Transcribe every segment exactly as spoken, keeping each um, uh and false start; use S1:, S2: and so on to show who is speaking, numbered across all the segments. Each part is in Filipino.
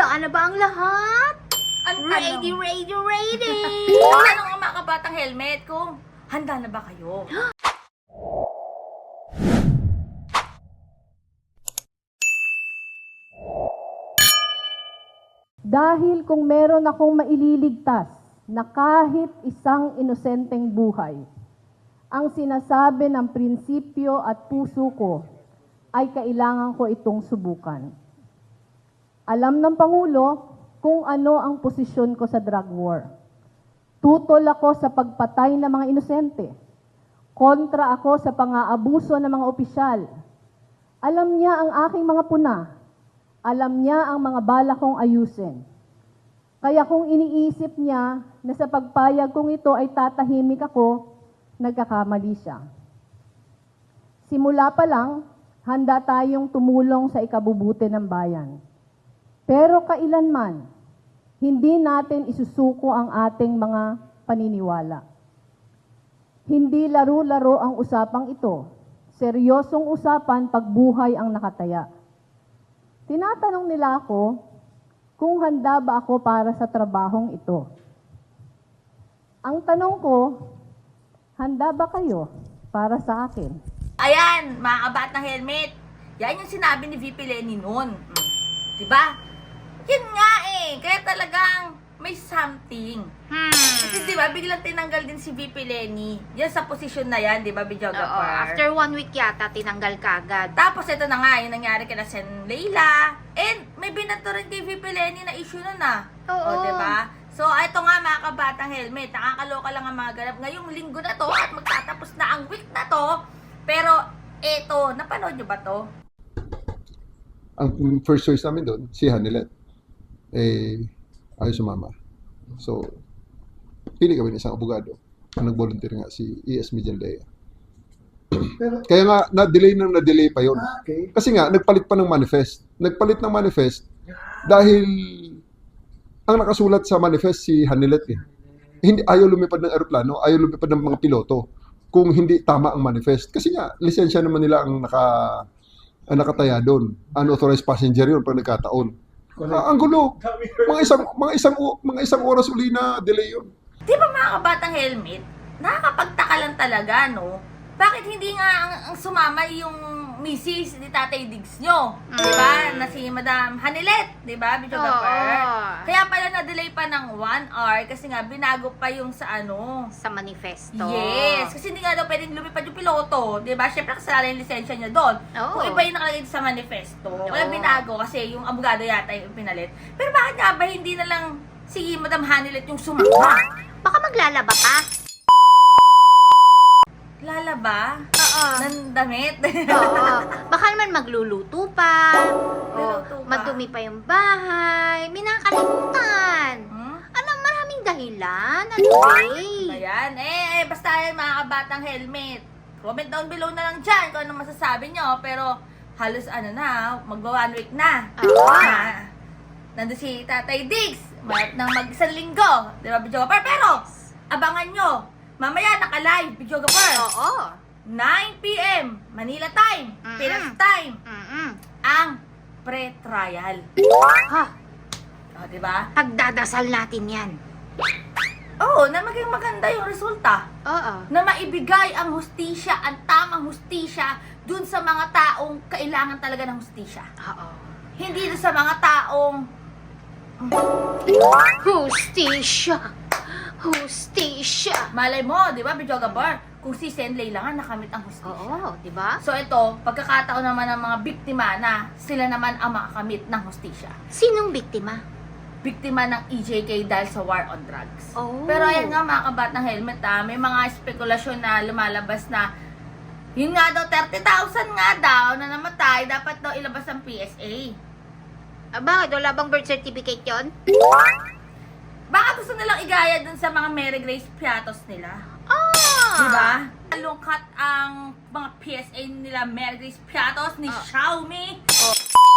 S1: Handaan na ba ang lahat?
S2: Ang
S1: Ready,
S2: tanong,
S1: ready, ready!
S2: ang tanong ng mga kabatang helmet kung handa na ba kayo?
S3: Dahil kung meron akong maililigtas na kahit isang inosenteng buhay, ang sinasabi ng prinsipyo at puso ko ay kailangan ko itong subukan. Alam ng Pangulo kung ano ang posisyon ko sa drug war. Tutol ako sa pagpatay ng mga inosente. Kontra ako sa pang-aabuso ng mga opisyal. Alam niya ang aking mga puna. Alam niya ang mga bala kong ayusin. Kaya kung iniisip niya na sa pagpayag kong ito ay tatahimik ako, nagkakamali siya. Simula pa lang, handa tayong tumulong sa ikabubuti ng bayan. Pero kailanman, hindi natin isusuko ang ating mga paniniwala. Hindi laro-laro ang usapang ito. Seryosong usapan pag buhay ang nakataya. Tinatanong nila ako kung handa ba ako para sa trabahong ito. Ang tanong ko, handa ba kayo para sa akin?
S2: Ayan, mga kabatang helmet. Yan yung sinabi ni V P Lenny noon. Mm. Diba? Yun nga eh. Kaya talagang may something.
S1: Hmm.
S2: Kasi diba, biglang tinanggal din si V P Lenny. Yan sa posisyon na yan, diba, Bidyoga
S1: Oo,
S2: Par?
S1: after one week yata, tinanggal ka agad.
S2: Tapos ito na nga, yung nangyari kina Sen Leila. And may binato rin kay V P Lenny na issue nun ah.
S1: Oo.
S2: O, diba? So, ito nga mga kabatang helmet. Nakakaloka lang ang mga ganap. Ngayong linggo na to at magtatapos na ang week na to. Pero, eto, napanood nyo ba to?
S4: Ang first choice namin doon, si Hanilet. Eh, ayaw sumama. So, pili kami ng isang abogado. Ang nag-volunteer nga si E S Medialdea. Kaya nga, na-delay nang na-delay pa yun.
S5: Okay.
S4: Kasi nga, nagpalit pa ng manifest. Nagpalit ng manifest dahil ang nakasulat sa manifest si Hanilet eh. Hindi, ayaw lumipad ng aeroplano, ayaw lumipad ng mga piloto kung hindi tama ang manifest. Kasi nga, lisensya naman nila ang naka ang nakataya doon. Unauthorized passenger yun pag nagkataon. Ah, ang gulo. Mga isang mga isang mga isang oras uli na delay yun.
S2: Di ba mga kabatang helmet? Nakakapagtaka lang talaga, no? Bakit hindi nga ang, ang sumama yung misis ni Tatay Diggs nyo?
S1: Mm.
S2: Di ba? Na si Madam Hanilet, di ba? Bidyo
S1: Oo.
S2: Kaya pala na-delay pa ng one hour kasi nga binago pa yung sa ano.
S1: Sa manifesto.
S2: Yes, kasi hindi nga daw pwedeng lumipad yung piloto, 'di ba? Syempre kasalanan yung lisensya niya doon.
S1: Oo.
S2: Kung iba yung nakalagay sa manifesto, kaya
S1: Oo.
S2: binago kasi yung abogado yata yung pinalit. Pero bakit nga ba hindi na lang si Madam Hanilet yung sumama?
S1: Baka maglalaba ka?
S2: Lalaba?
S1: Oo.
S2: Ng damit?
S1: Oo. Baka naman magluluto pa.
S2: Magluluto
S1: O,
S2: pa.
S1: madumi pa yung bahay. May nakakalimutan.
S2: Hmm?
S1: Ano, maraming dahilan. Ano eh?
S2: Ayan. Eh, eh, basta yan mga kabatang helmet. Comment down below na lang dyan kung ano masasabi nyo. Pero halos ano na, magba one week na.
S1: Oo.
S2: Na, nandun si Tatay Diggs. Mayat nang mag-isang linggo. Di ba, Bidyoga Par? Pero, abangan nyo. Mamaya naka-live, Bidyoga Par.
S1: Oo.
S2: nine p m Manila time,
S1: Mm-mm.
S2: Pinas time,
S1: Mm-mm.
S2: ang pre-trial.
S1: Ha?
S2: O, di ba?
S1: Pagdadasal natin yan.
S2: Oo, na maging maganda yung resulta.
S1: Oo.
S2: Na maibigay ang hustisya, ang tamang hustisya dun sa mga taong kailangan talaga ng hustisya.
S1: Oo.
S2: Hindi dun sa mga taong
S1: Hustisya. Hustisya.
S2: malay mo, di ba, Bidyoga Bar? Kung si Sen Leila nga nakamit ang hustisya.
S1: Oo, di ba?
S2: So ito, pagkakataon naman ng mga biktima na sila naman ang makakamit ng hustisya.
S1: Sinong biktima?
S2: Biktima ng E J K dahil sa war on drugs.
S1: Oh.
S2: Pero ayan nga mga kabatang helmet ha, may mga spekulasyon na lumalabas na yun nga daw, thirty thousand nga daw na namatay, dapat daw ilabas ang P S A.
S1: Ah, bakit? Wala bang birth certificate yun?
S2: Baka gusto nilang igaya dun sa mga Mary Grace Piatos nila.
S1: Ah!
S2: Diba? Lungkat ang mga P S A nila Mary Grace Piatos ni
S1: Ah.
S2: Xiaomi.
S1: Oh.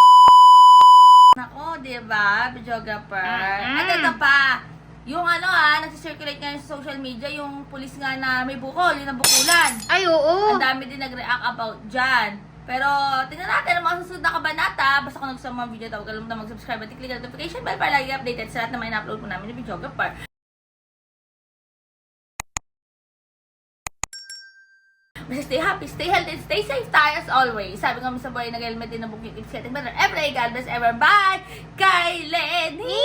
S2: Nako, diba? Videographer.
S1: Mm-mm.
S2: At ito pa, yung ano ah, nagsisirculate ngayon sa social media, yung pulis nga na may bukol, yung nabukulan.
S1: Ay, oo.
S2: Ang dami din nag-react about dyan. Pero, tingnan natin ang mga susunod na kabanata. Basta kung nagustuhan mo ang video ito, huwag kalimutan mag-subscribe at i-click ang notification bell para lagi updated sa lahat na may na-upload po namin ng videographer. Basta stay happy, stay healthy, stay safe tayo as always. Sabi nga mo sa buhay, nag-helmet din na bukit. It's getting better every day. God bless everyone. Bye! Kay Lenny!